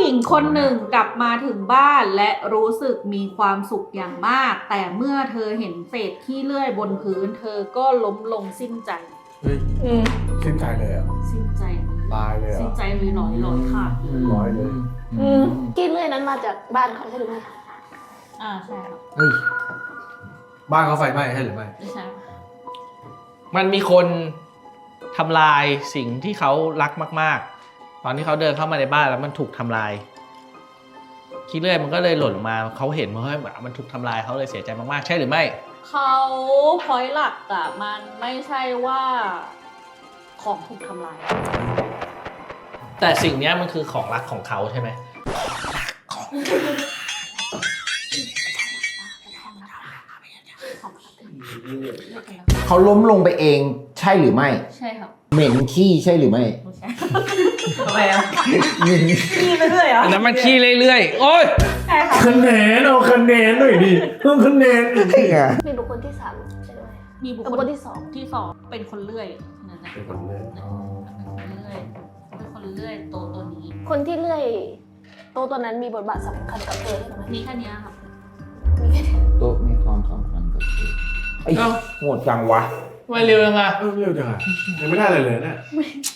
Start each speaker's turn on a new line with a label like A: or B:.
A: หญิงคนหนึ่งกลับมาถึงบ้านและรู้สึกมีความสุขอย่างมาก แต่เมื่อเธอเห็นเศษขี้เลื่อยบนพื้น เธอก็ล้มลงสิ้นใจ
B: เฮ้ยสิ้นใจเลยอ่ะ
A: สิ้นใจ
B: ตายเลย
A: สิ้น
B: อ่ะ
A: ใจเลยร้อยขาดเลย
B: ร้อยเลย
C: กินเลื่อยนั้นมาจากบ้านเขาใช่หรือไม่
A: ใช่ครับ
D: เฮ้ย
B: บ้านเขาไฟไหม้ใช่หรือไม่
A: ไม่ใช่
D: มันมีคนทำลายสิ่งที่เขารักมากๆ ตอนที่เขาเดินเข้ามาในบ้านแล้วมันถูกทำลายขี้เลื่อยมันก็เลยหล่นลงมาเขาเห็นว่าเฮ้ยมันถูกทำลายเขาเลยเสียใจมากๆใช่หรือไม่
A: เขาพอยหลักอะมันไม่ใช่ว่าของถูกทำลาย
D: แต่สิ่งเนี้ยมันคือของรักของเขาใช่ไหม
E: เขาล้มลงไปเองใช่หรือไม่
A: ใช่ครับ
E: เหม็นขี้ใช่หรือไม่
A: ไม่ใช่
F: ทำไมอ่ะ
E: เหม็น
F: ขี้ไปเรื่อยเหรอ
D: อันนั้นมันขี้เรื่อยๆโอ๊ย
A: ใช่ค่ะ
B: คะแนนเอาคะแนนหน่อยดิเพิ่มคะแนน
E: นี่ไง
C: มีบุคคลที่สามใช่หรือไม่
A: มีบุค
C: บุค
A: ค
C: ค
A: ล
C: ลที่สอง
A: ที่สองเป็นคนเลื่อยนั่นนะ
B: เป็นคนเล่น
A: เป็นคนเลื่อยตัวนี้
C: คนที่เลื่อยโตตัวนั้นมีบทบาทสำคัญกับเธอใช่ไหม
A: มีแค่เนี้ยครับ
C: มีแค่นี้
E: โต๊ะมีความสำคัญกับเธอไอ้โหดจังวะ
D: ทำไมเร็วยังไง
B: เร็วจังอ่ะยังไม่ได้เลยเนี่ย